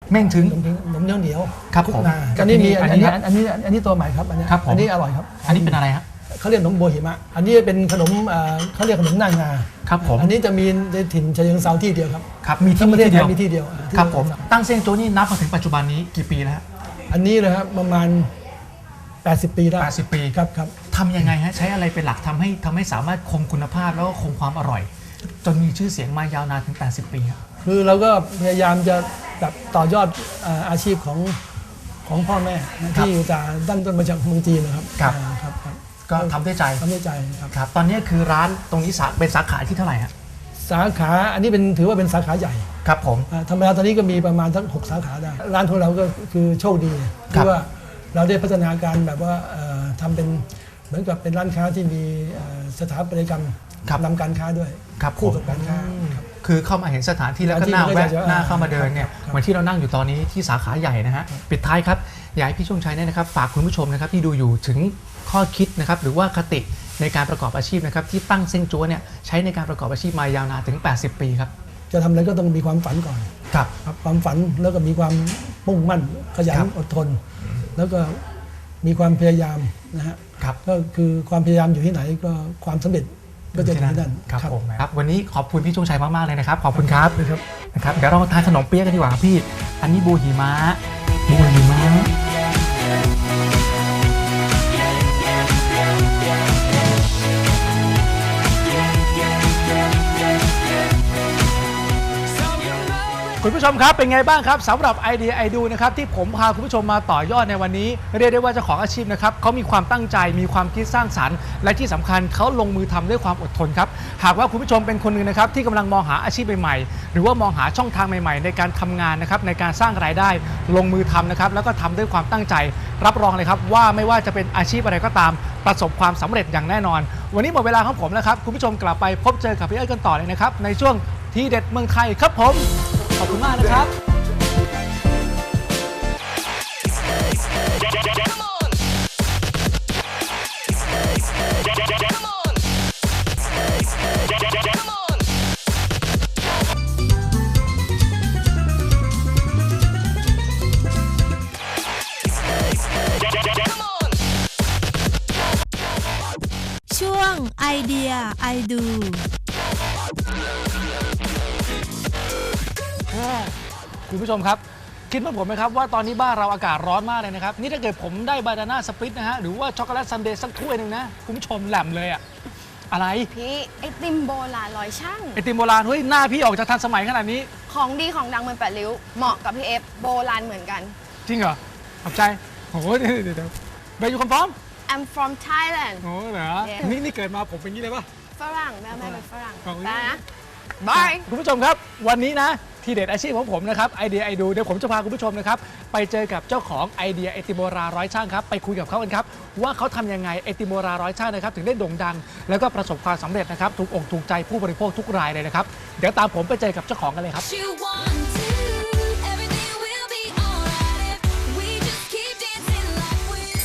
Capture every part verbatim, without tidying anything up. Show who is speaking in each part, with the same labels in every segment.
Speaker 1: เม่งถึง
Speaker 2: ขนมถึงขนมเหนียวเหนียว
Speaker 1: ครับ
Speaker 2: ทุก
Speaker 1: ผม
Speaker 2: นา
Speaker 1: กับ
Speaker 2: อันนี้
Speaker 1: ที่นี่
Speaker 2: มีอัน
Speaker 1: อันนี้
Speaker 2: นี้อันนี้อันนี้ตัวใหม่ครับอันนี้
Speaker 1: ครับผม
Speaker 2: อันนี้อร่อยครับ
Speaker 1: อันนี้เป็นอะไรครับ
Speaker 2: เขาเรียกขนมโบหิมะอันนี้เป็นขนมเอ่อเขาเรียกขนมหน้างา
Speaker 1: ครับผม
Speaker 2: อันนี้จะมีในถิ่นชายเชิงเซาที่เดียวครับ
Speaker 1: ครับมีที่
Speaker 2: ทั้งประเทศ
Speaker 1: ที่
Speaker 2: ไท
Speaker 1: เดียว
Speaker 2: ยมีที่เดียวอ่าที่
Speaker 1: ครับผม
Speaker 2: เดียว
Speaker 1: ตั้งเซียงโจ้นี่นับมาถึงปัจจุบันนี้กี่ปีแล้วฮะ
Speaker 2: อันนี้เลยครับประมาณแปดสิบปีได้
Speaker 1: แปดสิบปี
Speaker 2: ครับครับ
Speaker 1: ทำยังไงฮะใช้อะไรเป็นหลักทำให้ทำให้สามารถคงคุณภาพแล้วก็คงความอร่อย จนมีชื่อเสียงมายาวนานถึงแปดสิบปีครับ
Speaker 2: คือเราก็พยายามจะแบบต่อยอดเอ่ออาชีพของของพ่อแม่นะที่จะตั้งต้นมาจากเมืองจีนนะครับ
Speaker 1: ครับ
Speaker 2: อ่าครับครับ
Speaker 1: ก็ทำด้วยใจ
Speaker 2: ทำด้วยใจครับ
Speaker 1: ครับตอนนี้คือร้านตรงนี้สาเป็นสาขาที่เท่าไหร่ฮะ
Speaker 2: สาขาอันนี้เป็นถือว่าเป็นสาขาใหญ่
Speaker 1: ครับผม
Speaker 2: อ่าธรรมดาตอนนี้ก็มีประมาณทั้งหกสาขาได้ ร้านของเราก็คือโชคดี
Speaker 1: ครั
Speaker 2: ที่
Speaker 1: บ
Speaker 2: ว่าเราได้พัฒนาการแบบว่าเอ่อทำเป็นเหมือนกับเป็นร้านค้าที่มีเอ่อสถาปัตยกรรมนำการค้าด้วย
Speaker 1: ครับ
Speaker 2: คู่
Speaker 1: ผม
Speaker 2: กับการค้าครับ
Speaker 1: คือเข้ามาเห็นสถานที่แล้วก็
Speaker 2: สถานที่
Speaker 1: น่าแวะ
Speaker 2: ก็จะ
Speaker 1: น่าเข้ามาเดินเนี่ย
Speaker 2: ครับ
Speaker 1: เหมือนที่เรานั่งอยู่ตอนนี้ที่สาขาใหญ่นะฮะปิดท้ายครับอยากให้พี่ชงชัยเนี่ยนะครับฝากคุณผู้ชมนะครับที่ดูอยู่ถึงข้อคิดนะครับหรือว่าคติในการประกอบอาชีพนะครับที่ตั้งเซ้งจั๊วเนี่ยใช้ในการประกอบอาชีพมายาวนานถึงแปดสิบปีครับ
Speaker 2: จะทำอะไรก็ต้องมีความฝันก่อน
Speaker 1: ครับ
Speaker 2: ครับความฝันแล้วก็มีความมุ่งมั่นขยัน
Speaker 1: ครับ
Speaker 2: อดทน แล้วก็มีความพยายามนะฮะ
Speaker 1: ครับ
Speaker 2: ก็คือความพยายามอยู่ที่ไหนก็ความสำเร็จก็จะอยู่ที่นั่น
Speaker 1: ครับผมครับวันนี้ขอบคุณพี่ชงชัยมากๆเลยนะครับขอบคุณครับ
Speaker 2: ครับ
Speaker 1: นะครับเดี๋ยวเรามาทานขนมเปี๊ยะกันดีกว่าครับพี่อันนี้บูหิมะบูหิมะ คุณผู้ชมครับเป็นไงบ้างครับสำหรับไอเดียไอดูนะครับที่ผมพาคุณผู้ชมมาต่อยอดในวันนี้เรียกได้ว่าเจ้าของอาชีพนะครับเขามีความตั้งใจมีความคิดสร้างสรรค์และที่สำคัญเขาลงมือทำด้วยความอดทนครับหากว่าคุณผู้ชมเป็นคนหนึ่งนะครับที่กำลังมองหาอาชีพใหม่ๆหรือว่ามองหาช่องทางใหม่ๆในการทำงานนะครับในการสร้างรายได้ลงมือทำนะครับแล้วก็ทำด้วยความตั้งใจรับรองเลยครับว่าไม่ว่าจะเป็นอาชีพอะไรก็ตามประสบความสำเร็จอย่างแน่นอนวันนี้หมดเวลาของผมแล้วครับคุณผู้ชมกลับไปพบเจอกับพี่เอิร์ธกันต่อเลยนะครับในช่วงทีเด็ดเมืองไทยครับผมขอบคุณมากนะครับ
Speaker 3: ช่วงไอเดียไอดู
Speaker 1: คุณผู้ชมครับคิดเหมือนผมไหมครับว่าตอนนี้บ้านเราอากาศร้อนมากเลยนะครับนี่ถ้าเกิดผมได้บานาน่าสปริตนะฮะหรือว่าช็อกโกแลตซันเดย์สักถ้วยหนึ่งนะคุณผู้ชมแหลมเลยอะอะไร
Speaker 4: พี่ไอติมโบราณร้อยช่าง
Speaker 1: ไอติมโบราณเฮ้ยหน้าพี่ออกจะทันสมัยขนาดนี้
Speaker 4: ของดีของดังเมืองแปดริ้ว เหมาะกับพี่เอฟโบราณเหมือนกัน
Speaker 1: จริงเหรอขอบใจโอ้โหเดี๋ยวเดี๋ยวเดี๋ยวไปอยู่คอนฟอร์ม
Speaker 4: I'm from Thailand
Speaker 1: โอ้เหรอ
Speaker 4: Yeah
Speaker 1: นี่นี่เกิดมาผมเป็นงี้เลยปะ
Speaker 4: ฝรั่งแม่แม่เป็นฝรั่ง
Speaker 1: ของ
Speaker 4: ได้นะบาย
Speaker 1: คุณผู้ชมครับวันนี้นะทีเด็ดอาชีพของผมนะครับไอเดียไอดูเดี๋ยวผมจะพาคุณผู้ชมนะครับไปเจอกับเจ้าของไอเดียไอติมโบราณร้อยช่างครับไปคุยกับเขากันครับว่าเขาทำยังไงไอติมโบราณร้อยช่างนะครับถึงได้โด่งดัง แล้วก็ประสบความสำเร็จนะครับถูกอกถูกใจผู้บริโภคทุกรายเลยนะครับเดี๋ยวตามผมไปเจอกับเจ้าของกันเลยครับ
Speaker 5: You want to, everything will be alright if we just keep dancing like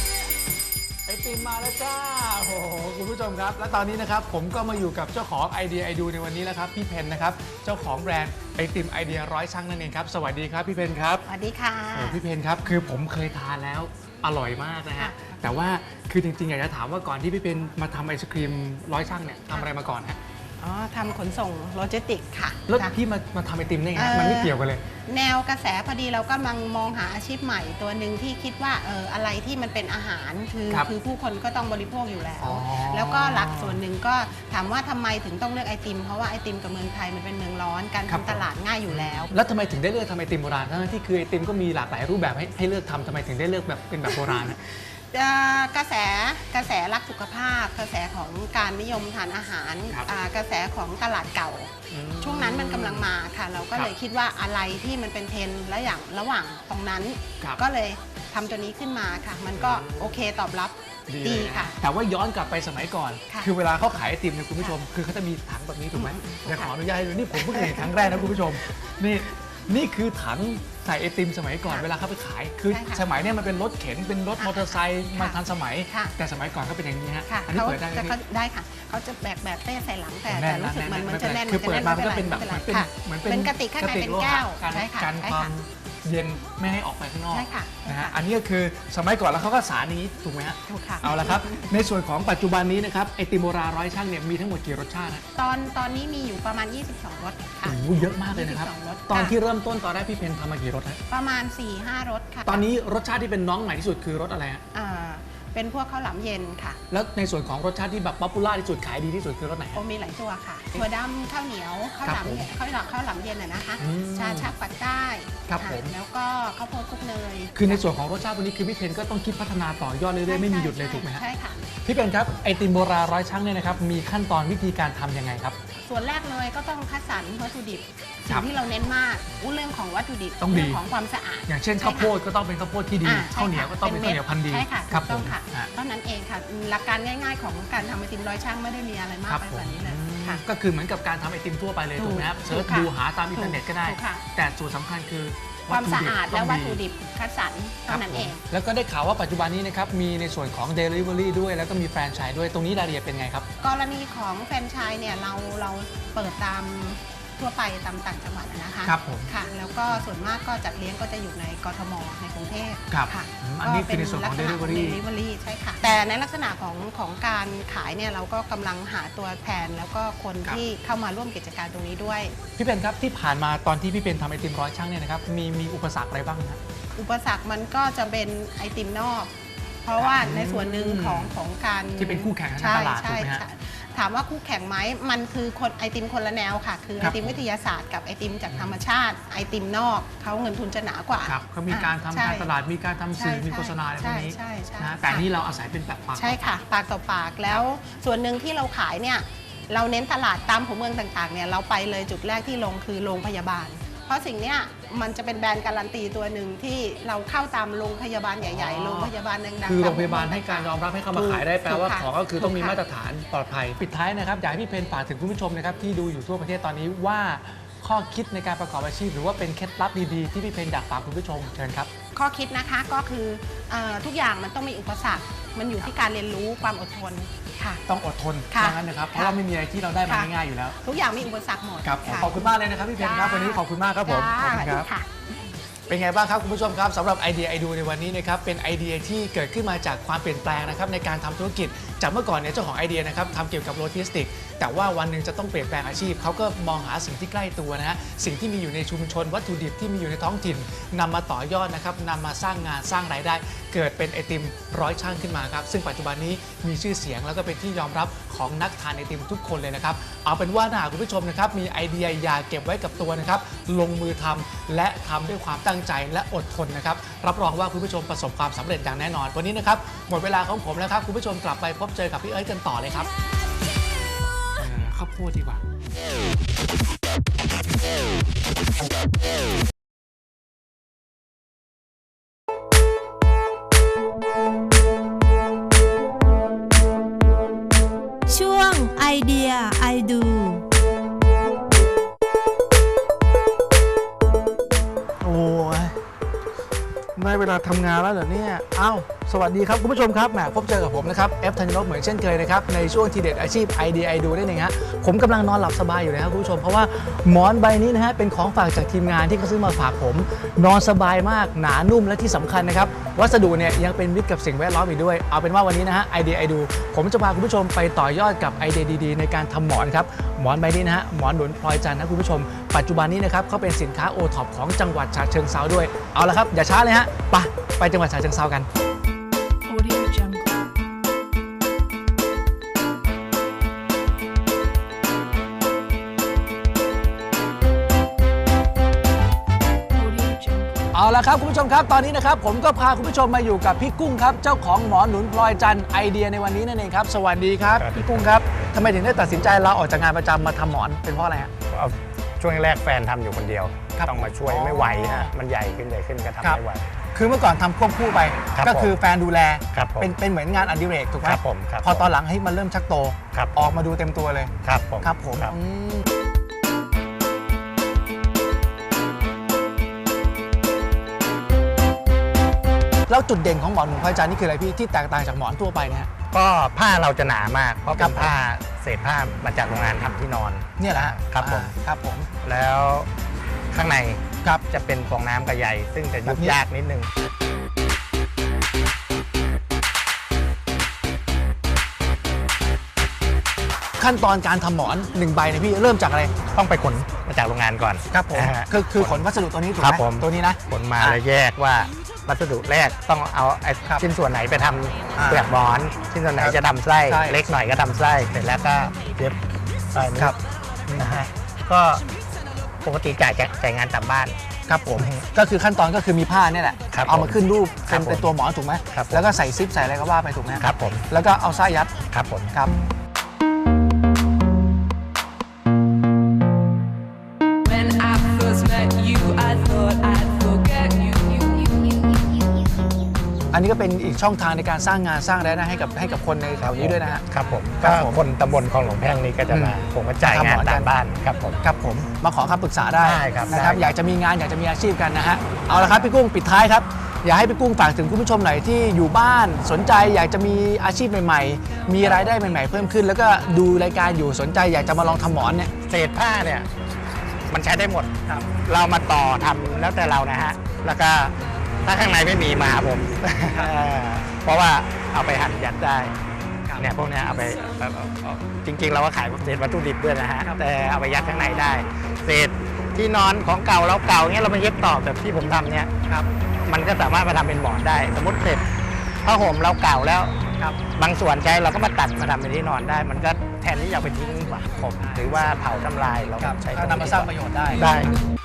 Speaker 5: we're
Speaker 1: ไอติมมาแล้วจ้าโอ้โหคุณผู้ชมครับและตอนนี้นะครับผมก็มาอยู่กับเจ้าของไอเดียไอดูในวันนี้แล้วครับพี่เพนนะครับเจ้าของแบรนด์ไอติมไอเดียร้อยช่างนั่นเองครับสวัสดีครับพี่เพนครับ
Speaker 4: สวัสดีค่ะ
Speaker 1: โอ้พี่เพนครับคือผมเคยทานแล้วอร่อยมากนะฮะแต่ว่าคือจริงๆอยากจะถามว่าก่อนที่พี่เพนมาทำไอศครีมร้อยช่างเนี่ยทำอะไรมาก่อนฮะ
Speaker 6: อ๋อทำขนส่งโลจิสติกส์ค่ะ
Speaker 1: แล้ว
Speaker 6: ค่ะ
Speaker 1: พี่มามาทำไอติมได้ไง
Speaker 6: เอ่อ
Speaker 1: มันไม่เกี่ยวกันเลย
Speaker 6: แนวกระแสพอดีเรากำลังมองหาอาชีพใหม่ตัวหนึ่งที่คิดว่าเอออะไรที่มันเป็นอาหารคือ
Speaker 1: ครับ
Speaker 6: คือผู้คนก็ต้องบริโภคอยู่แล้ว
Speaker 1: อ๋อ
Speaker 6: แล้วก็หลักส่วนหนึ่งก็ถามว่าทำไมถึงต้องเลือกไอติม เพราะว่าไอติมกับเมืองไทยมันเป็นเมืองร้อนการ
Speaker 1: ครับ
Speaker 6: ทำตลาดง่ายอยู่แล้ว
Speaker 1: แล้วทำไมถึงได้เลือกทำไอติมโบราณทั้งที่คือไอติมก็มีหลากหลายรูปแบบให้ให้เลือกทำทำไมถึงได้เลือกแบบเป็นแบบโบราณอะ
Speaker 6: เอ่อกระแสกระแสรักสุขภาพ กระแสของการนิยมทานอาหาร
Speaker 1: ครับ
Speaker 6: อ่ากระแสของตลาดเก่า
Speaker 1: อืม
Speaker 6: ช่วงนั้นมันกำลังมาค่ะ เราก็
Speaker 1: ครับ
Speaker 6: เลยคิดว่าอะไรที่มันเป็นเทรนด์และอย่างระหว่างตรงนั้น
Speaker 1: ครับ
Speaker 6: ก็เลยทำตัวนี้ขึ้นมาค่ะ มันก็โอเคตอบรับดี
Speaker 1: เลยน
Speaker 6: ค่ะ
Speaker 1: แต่ว่าย้อนกลับไปสมัยก่อน
Speaker 6: ค่ะ
Speaker 1: คือเวลาเขาขายไอติมเนี่ยคุณผู้ชม คือเขาจะมีถังแบบนี้ถูกไหมเดี๋ยวขออนุญาตให้ดูนี่ผมเพิ่งเห็นครั้งแรกนะคุณผู้ชมนี่นี่คือถังใส่ไอติมสมัยก่อนเวลาเขาไปขายคือ
Speaker 6: ใช่ค่ะ
Speaker 1: สมัยเนี้มันเป็นรถเข็นเป็นรถมอเตอร์ไซค์มาทันสมัย
Speaker 6: ค่ะ
Speaker 1: แต่สมัยก่อนก็เป็นอย่างนี้ฮะ
Speaker 6: ค่ะ
Speaker 1: อันนี้
Speaker 6: เขา
Speaker 1: เปิดได้ไหม
Speaker 6: จะ
Speaker 1: พี่
Speaker 6: เขาได้ค่ะ เขาจะแบกแบบเป้ใส่หลังแต่
Speaker 1: แน่
Speaker 6: แต่
Speaker 1: น
Speaker 6: รู้สึกมัน
Speaker 1: แน่น
Speaker 6: มันจะแน่น
Speaker 1: คือเปิดมามันก็
Speaker 6: ไ
Speaker 1: เป็นแบบ
Speaker 6: ไ
Speaker 1: เหมือนเป็น
Speaker 6: ค่ะ
Speaker 1: เหมือนเป็น
Speaker 6: เป็นกระติกข้างในเป็น
Speaker 1: โลหะ
Speaker 6: แก้ว
Speaker 1: กัน
Speaker 6: ใช่ค่ะ
Speaker 1: กัน
Speaker 6: ใช่
Speaker 1: ควา
Speaker 6: ค่ะ
Speaker 1: มเย็นไม่ให้ออกไปข้างนอก
Speaker 6: ใช่ค่ะ
Speaker 1: นะฮะ
Speaker 6: ใช่ค่ะ
Speaker 1: อันนี้ก็คือสมัยก่อนแล้วเขาก็สารนี้ถูกไหมฮะ
Speaker 6: ถูกค่ะ
Speaker 1: เอาละครับในส่วนของปัจจุบันนี้นะครับไอติมโบราณร้อยช่างเนี่ยมีทั้งหมดกี่รสชาตินะ
Speaker 6: ตอนตอนนี้มีอยู่ประมาณ ยี่สิบสอง รสค่ะ
Speaker 1: โอ้โหเยอะมากเลยนะครับ
Speaker 6: ยี่สิบสองรส
Speaker 1: ตอน
Speaker 6: ค่ะ
Speaker 1: ที่เริ่มต้นตอนแรกพี่เพนทำมากี่รสฮะ
Speaker 6: ประมาณ สี่ห้า รสค่ะ
Speaker 1: ตอนนี้รสชาติที่เป็นน้องใหม่ที่สุดคือรสอะไรฮะ
Speaker 6: อ่าเป็นพวกข้าวหลามเย็นค่ะ
Speaker 1: แล้วในส่วนของรสชาติที่แบบป๊อปปูล่าที่สุดขายดีที่สุดคือรสไหน
Speaker 6: โอ
Speaker 1: ฮะ
Speaker 6: มีหลายตัวค่ะถั่วดำข้าวเหนียวข้าวหลาม
Speaker 1: ครับผม
Speaker 6: ข้าวหลามข้าวหลามเย็นอะนะคะ
Speaker 1: อืม
Speaker 6: ชาชักปักใต้
Speaker 1: ครับ
Speaker 6: ะ
Speaker 1: ผม
Speaker 6: แล้วก็ข้าวโพดคลุกเนย
Speaker 1: คือในส่วนของรสชาติตัวนี้คือพี่เพนก็ต้องคิดพัฒนาต่อยอดเรื่อยๆไม่มีหยุดเลยถูกไหมฮะ
Speaker 6: ใช่ค่ะ
Speaker 1: พี่เพนครับไอติมโบราณร้อยช่างเนี่ยนะครับมีขั้นตอนวิธีการทำยังไงครับ
Speaker 6: ส่วนแรกเลยก็ต้องคัดสรรวัตถุดิบ
Speaker 1: ครั
Speaker 6: สิ่
Speaker 1: บ
Speaker 6: งที่เราเน้นมากอู้เรื่องของวัตถุดิบ
Speaker 1: ต้องดี
Speaker 6: เรื่องของความสะอาด
Speaker 1: อย่างเช่นข้าวโพดก็ต้องเป็นข้าวโพดที่ดี
Speaker 6: อ่ใช่
Speaker 1: ข้าวเหนียวก็ต้องเป็นข้าวเหนียวพันธุ์ดี
Speaker 6: ใช่ค่ะ
Speaker 1: ครับ
Speaker 6: ถูก
Speaker 1: ผ
Speaker 6: ต้อง
Speaker 1: ม
Speaker 6: ค่ะ
Speaker 1: ฮะ
Speaker 6: เท่านั้นเองค่ะหลักการง่าย ๆ ของการทำไอติมร้อยช่างไม่ได้มีอะไรมาก
Speaker 1: ครับ
Speaker 6: ไป
Speaker 1: ผ
Speaker 6: ก
Speaker 1: ม
Speaker 6: ว่านี้เลย
Speaker 1: อืม
Speaker 6: ค่ะ
Speaker 1: ก็คือเหมือนกับการทำไอติมทั่วไปเลย
Speaker 6: ถูก
Speaker 1: ถูกไหมครับ
Speaker 6: ถู
Speaker 1: เสิร์ช
Speaker 6: กค่ะ
Speaker 1: ดูหาตามอินเทอร์เน็ตก็ได้
Speaker 6: ถูกค่ะ
Speaker 1: แต่ส่วนสำคัญคือ
Speaker 6: ความสะอาดและวัตถุ
Speaker 1: ดิบ
Speaker 6: ดิบคัดสรรเท่านั้นเอง
Speaker 1: แล้วก็ได้ข่าวว่าปัจจุบันนี้นะครับมีในส่วนของ Delivery ด้วยแล้วก็มีแฟรนไชส์ด้วยตรงนี้รายละเอียดเป็นไงครับ
Speaker 6: กรณีของแฟรนไชส์เนี่ยเราเราเปิดตามทั่วไปตามต่างจังหวัดอะนะคะ
Speaker 1: ครับผม
Speaker 6: ค่ะ แล้วก็ส่วนมากก็จัดเลี้ยงก็จะอยู่ในกทมในกรุงเทพ
Speaker 1: ครับ
Speaker 6: ค่ะ
Speaker 1: อืมอันนี้คือในส่วนของ
Speaker 6: ก็เป็ลักษณะ
Speaker 1: Delivery
Speaker 6: Delivery ใช่ค่ะ แต่ในลักษณะของของการขายเนี่ยเราก็กำลังหาตัวแทนแล้วก็คน
Speaker 1: ครับ
Speaker 6: ที่เข้ามาร่วมกิจการตรงนี้ด้วย
Speaker 1: พี่เพนครับที่ผ่านมาตอนที่พี่เพนทำไอติมร้อยช่างเนี่ยนะครับมีมีอุปสรรคอะไรบ้างนะ
Speaker 6: อุปสรรคมันก็จะเป็นไอติมนอก เพราะว่าในส่วนหนึ่งของของการ
Speaker 1: ที่เป็นคู่แข่งทาง
Speaker 6: ใช่
Speaker 1: ตลาด
Speaker 6: ใช่
Speaker 1: ถูกไหมฮะ
Speaker 6: ใช่ถามว่าคู่แข่งไหมมันคือคนไอติมคนละแนวค่ะ คือ
Speaker 1: ค
Speaker 6: ไอ
Speaker 1: รับ
Speaker 6: ติมวิทยาศาสตร์กับไอติมจากธรรมชาติไอติมนอกเขาเงินทุนจะหนากว่า
Speaker 1: ครับเขามีการทำ
Speaker 6: ใช่
Speaker 1: การตลาดมีการทำสื่อ
Speaker 6: ใช่
Speaker 1: มีโฆษณาอะไรพวกนี้
Speaker 6: ใช่ใช่
Speaker 1: นะ
Speaker 6: ใช่
Speaker 1: แต่นี่เราอาศัยเป็นแบบปาก
Speaker 6: ใช่ค่ะ ปากต่อปากแล้วส่วนหนึ่งที่เราขายเนี่ยเราเน้นตลาดตามหัวเมืองต่างๆเนี่ยเราไปเลยจุดแรกที่ลงคือโรงพยาบาล เพราะสิ่งเนี้ยมันจะเป็นแบรนด์การันตีตัวหนึ่งที่เราเข้าตามโรงพยาบาลใหญ่ๆโรงพยาบาลดังๆ
Speaker 1: คือโรง
Speaker 6: ตม
Speaker 1: พยาบาลให้การยอมรับให้เข้ามาขายได้แปลว่า
Speaker 6: ถูกค่ะ
Speaker 1: ของก็คือต้องมี
Speaker 6: ถูกค่ะ
Speaker 1: มาตรฐานปลอดภัย ปิดท้ายนะครับอยากให้พี่เพนฝากถึงคุณผู้ชมนะครับที่ดูอยู่ทั่วประเทศตอนนี้ว่าข้อคิดในการประกอบอาชีพ หรือว่าเป็นเคล็ดลับดีๆที่พี่เพนอยากฝากคุณผู้ชมเชิญครับ
Speaker 6: ข้อคิดนะคะก็คือเออทุกอย่างมันต้องมีอุปสรรค มันอยู่ที่การเรียนรู้ความอดทนค่ะ
Speaker 1: ต้องอดทน
Speaker 6: ค่ะ
Speaker 1: ดังนั้นนะครับเพ
Speaker 6: ค่ะ
Speaker 1: ราะว่าไม่มีอะไรที่เราได้มา
Speaker 6: ค่ะ
Speaker 1: ง่ายๆอยู่แล้ว
Speaker 6: ทุกอย่างมีอุปสรรคหมด
Speaker 1: ครับ
Speaker 6: ะ
Speaker 1: ขอบคุณมากเลยนะครับพี่เพนครับ
Speaker 6: จ้า
Speaker 1: วันนี้ขอบคุณมากครับผม
Speaker 6: จ้า
Speaker 1: ขอบคุณครับ
Speaker 6: สวัสดีค่ะ
Speaker 1: เป็นไงบ้างครับคุณผู้ชมครับสำหรับไอเดียไอดูในวันนี้นะครับเป็นไอเดียที่เกิดขึ้นมาจากความเปลี่ยนแปลงนะครับในการทำธุรกิจจากเมื่อก่อนเนี่ยเจ้าของไอเดียนะครับทำเกี่ยวกับโลจิสติกแต่ว่าวันหนึ่งจะต้องเปลี่ยนแปลงอาชีพเขาก็มองหาสิ่งที่ใกล้ตัวนะฮะสิ่งที่มีอยู่ในชุมชนวัตถุดิบที่มีอยู่ในท้องถิ่นนำมาต่อยอดนะครับนำมาสร้างงานสร้างรายได้ เกิดเป็นไอติมร้อยช่างขึ้นมาครับซึ่งปัจจุบันนี้มีชื่อเสียงแล้วก็เป็นที่ยอมรับของนักทานไอติมทุกคนเลยนะครับเอาเป็นว่าถ้าหากคุณผู้ชมนะครับมีไอเดียอย่าเก็บไว้กับตัวนะครับลงมือทำและทำด้วยความตั้งใจและอดทนนะครับรับรองว่าคุณผู้ชมประสบความสำเร็จอย่างแน่นอนวันนี้นะครับหมดเวลาของผมแล้วครับคุณผู้ชมกลับไปพบเจอกับพี่เอิร์ธกันต่อเลยครับเออข้าวโพดดีกว่า
Speaker 3: ช่วงไอเดียไอดู
Speaker 1: โอ้ยได้เวลาทำงานแล้วเหรอเนี่ยอ้าวสวัสดีครับคุณผู้ชมครับแหมพบเจอกับผมนะครับเอฟธัญนพเหมือนเช่นเคยนะครับในช่วงทีเด็ดอาชีพไอเดียไอดูได้เองฮะผมกำลังนอนหลับสบายอยู่นะครับคุณผู้ชมเพราะว่าหมอนใบนี้นะฮะเป็นของฝากจากทีมงานที่เขาซื้อมาฝากผมนอนสบายมากหนานุ่มและที่สำคัญนะครับวัสดุเนี่ยยังเป็นมิตรกับสิ่งแวดล้อมอีกด้วยเอาเป็นว่าวันนี้นะฮะไอเดียไอดูผมจะพาคุณผู้ชมไปต่อยอดกับไอเดียดีๆในการทำหมอนครับหมอนใบนี้นะฮะหมอนหนุนพลอยจันทร์นะคุณผู้ชมปัจจุบันนี้นะครับเขาเป็นสินค้าโอท็อปของจังหวัดฉะเชิงเทราด้วยเอาละครับอย่าช้าเลยฮะไปไปจังหวัดฉะเชิงเทรากัน
Speaker 3: Audio Jungle Audio Jungle
Speaker 1: เอาละครับคุณผู้ชมครับตอนนี้นะครับผมก็พาคุณผู้ชมมาอยู่กับพี่กุ้งครับเจ้าของหมอนหนุนพลอยจันทร์ไอเดียในวันนี้นั่นเองครับสวัสดีครับ
Speaker 7: ครับ
Speaker 1: พี่กุ้งครับทำไมถึงได้ตัดสินใจลาออกจากงานประจำมาทำหมอนเป็นเพราะอะไรฮะ
Speaker 7: เอาช่วงแรกแฟนทำอยู่คนเดียว
Speaker 1: ครับ
Speaker 7: ต้องมาช่วย
Speaker 1: อ๋อ
Speaker 7: ไม่ไหวฮะมันใหญ่ขึ้นใหญ่ขึ้นก็ทำ
Speaker 1: ครับ
Speaker 7: ไม่ไหว
Speaker 1: คือเมื่อก่อนทำควบคู่ไป
Speaker 7: ครับ
Speaker 1: ก็คือแฟนดูแล
Speaker 7: ครับผม
Speaker 1: เป็นเป็นเหมือนงานอดิเรกถูกไหม
Speaker 7: ครับผมครับ
Speaker 1: พอตอนหลังให้มันเริ่มชักโต
Speaker 7: ครับ
Speaker 1: ออกมาดูเต็มตัวเลย
Speaker 7: ครับผม
Speaker 1: ครับผม
Speaker 7: ครับ
Speaker 1: อืมแล้วจุดเด่นของหมอนหนุนพลอยจันทร์นี่คืออะไรพี่ที่แตกต่างจากหมอนทั่วไปเนี่ยฮะ
Speaker 7: ก็ผ้าเราจะหนามาก เพราะ
Speaker 1: ครั
Speaker 7: เป็
Speaker 1: บ
Speaker 7: นผ้าเศษผ้ามาจากโรงงานทำที่นอน
Speaker 1: เนี่ยแหละฮะ
Speaker 7: ครับผม
Speaker 1: อ่าครับผม
Speaker 7: แล้วข้างใน
Speaker 1: ครับ
Speaker 7: จะเป็นฟองน้ำกับใยซึ่งจะ
Speaker 1: แบ
Speaker 7: ยุ
Speaker 1: บบ นี้
Speaker 7: ยากนิดนึง
Speaker 1: ขั้นตอนการทำหมอนหนึ่งใบเนี่ยพี่เริ่มจากอะไร
Speaker 7: ต้องไปขนมาจากโรงงานก่อน
Speaker 1: ครับผม
Speaker 7: นะฮะ
Speaker 1: คือคือขนวัสดุตัวนี้ถูก
Speaker 7: ครั
Speaker 1: ไห
Speaker 7: บผม
Speaker 1: มตัวนี้นะ
Speaker 7: ขนมา
Speaker 1: อ่ะ
Speaker 7: แล้วแยกว่าวัสดุแรกต้องเอาไอ้
Speaker 1: ครับ
Speaker 7: ชิ้นส่วนไหนไปท
Speaker 1: อ่า
Speaker 7: ำเปลือกหมอน ชิ้นส่วนไหน
Speaker 1: ครับ
Speaker 7: จะทำไส้
Speaker 1: ใช่
Speaker 7: เล็กหน่อยก็ทำไส้เสร็จแล้วก็เย็บใส่นี้
Speaker 1: ครับ
Speaker 7: นะฮะก็ปกติจ่ายจะจ่ายงานตามบ้าน
Speaker 1: ครับผมก็คือขั้นตอนก็คือมีผ้าเนี่ยแหละ
Speaker 7: ครับ
Speaker 1: เอามาขึ้นรูป
Speaker 7: ครั
Speaker 1: เป็น
Speaker 7: บผม
Speaker 1: เป็นตัวหมอนถูกไหม
Speaker 7: ครับผม
Speaker 1: แล้วก็ใส่ซิปใส่อะไรก็ว่าไปถูกไหม
Speaker 7: ครับผม
Speaker 1: แล้วก็เอาไส้ยัด
Speaker 7: ครับผม
Speaker 1: ครับ
Speaker 8: When I first met you, I thought I'd forget you.
Speaker 1: อันนี้ก็เป็นอีกช่องทางในการสร้างงานสร้างรายได้ให้กับให้กับคนในแถวนี้ด้วยนะฮะ
Speaker 7: ครับผม
Speaker 1: ครั
Speaker 7: ก็
Speaker 1: บผม
Speaker 7: คนตำบลคลองหลวงแพ่งนี้ก็จะมา
Speaker 1: อืม
Speaker 7: ผมก็จ่าย
Speaker 1: ทำหม
Speaker 7: งา
Speaker 1: อน นกัน
Speaker 7: ตามบ้านครับผม
Speaker 1: ครับผมมาขอคำปรึกษาได้
Speaker 7: ได้ครับ
Speaker 1: นะครับ
Speaker 7: ได้
Speaker 1: อยากจะมีงานอยากจะมีอาชีพกันนะฮะเอาละครับพี่กุ้งปิดท้ายครับอยากให้พี่กุ้งฝากถึงคุณผู้ชมหน่อยที่อยู่บ้านสนใจอยากจะมีอาชีพใหม่ๆ มีรายได้ใหม่ๆเพิ่มขึ้น แล้วก็ดูรายการอยู่สนใจอยากจะมาลองทำหมอนเนี่ย
Speaker 7: เศษผ้าเนี่ยมันใช้ได้หมดเรามาต่อทำแล้วแต่เรานะฮะแล้วก็ถ้าข้างในไม่มีมาหาผม เพราะว่าเอาไปหั่นยัดได้เนี่ยพวกเนี้ยเอาไปเอาเอาเอาจริง ๆ เราก็ขายเศษวัตถุดิบด้วยนะฮะแต่เอาไปยัดข้างในได้เศษที่นอนของเก่าเราเก่าเนี้ยเรามาเย็บต่อแบบที่ผมทำเนี่ยมันก็สามารถมาทำเป็นหมอนได้ สมมติเศษผ้าห่มเราเก่าแล้วบางส่วนใช้เราก็มาตัดมาทำเป็นที่นอนได้ มันก็แทนที่จะเอาไปทิ้งผมหรือว่าเผาทำลายเราก็ใช้ตรง
Speaker 1: นำมาสร้างประโยชน์ได้
Speaker 7: ได้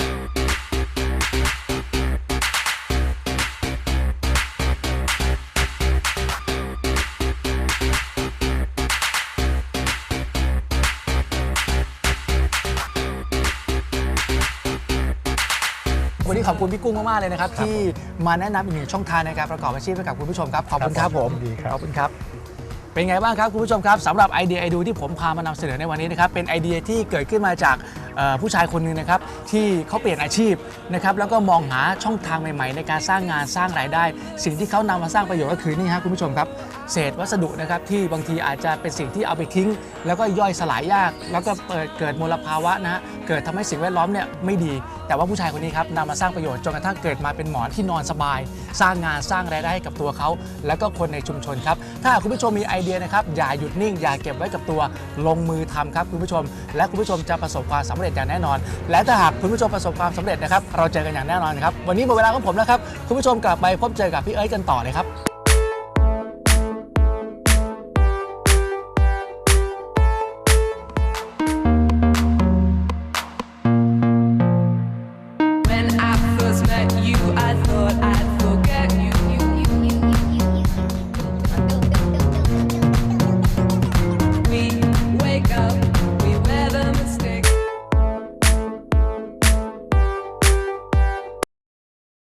Speaker 1: วันนี้ขอบคุณพี่กุ้งมากๆเลยนะครับที่มาแนะนำอีกหนึ่งช่องทางในการประกอบอาชีพให้กับคุณผู้ชมครับขอบคุณครับผม
Speaker 7: ดีครับ
Speaker 1: ขอบคุณครับ เป็นไงบ้างครับคุณผู้ชมครับสำหรับไอเดียไอดูที่ผมพามานำเสนอในวันนี้นะครับเป็นไอเดียที่เกิดขึ้นมาจากเอ่อผู้ชายคนหนึ่งนะครับที่เขาเปลี่ยนอาชีพนะครับแล้วก็มองหาช่องทางใหม่ๆ ในการสร้างงานสร้างรายได้ สิ่งที่เขานำมาสร้างประโยชน์ก็คือนี่ครับคุณผู้ชมครับเศษวัสดุนะครับที่บางทีอาจจะเป็นสิ่งที่เอาไปทิ้ง แล้วก็ย่อยสลายยาก แล้วก็เปิดเกิดมลภาวะนะฮะเกิดทำให้สิ่งแวดล้อมเนี่ยไม่ดี แต่ว่าผู้ชายคนนี้ครับนำมาสร้างประโยชน์จนกระทั่งเกิดมาเป็นหมอนที่นอนสบาย สร้างงานสร้างรายได้ให้กับตัวเขาแล้วก็คนในชุมชนครับถ้าคุณผู้ชมมีไอเดียนะครับอย่าหยุดนิ่งอย่าเก็บไว้กับตัวลงมือทำครับคุณผู้ชม และคุณผู้ชมจะประสบความสำเร็จอย่างแน่นอน และถ้าหากคุณผู้ชมประสบความสำเร็จนะครับเราเจอกันอย่างแน่นอนครับวันนี้หมดเวลาของผมแล้วครับคุณผู้ชมกลับไปพบเจอกับพี่เอิร์ธกันต่อเลยครับ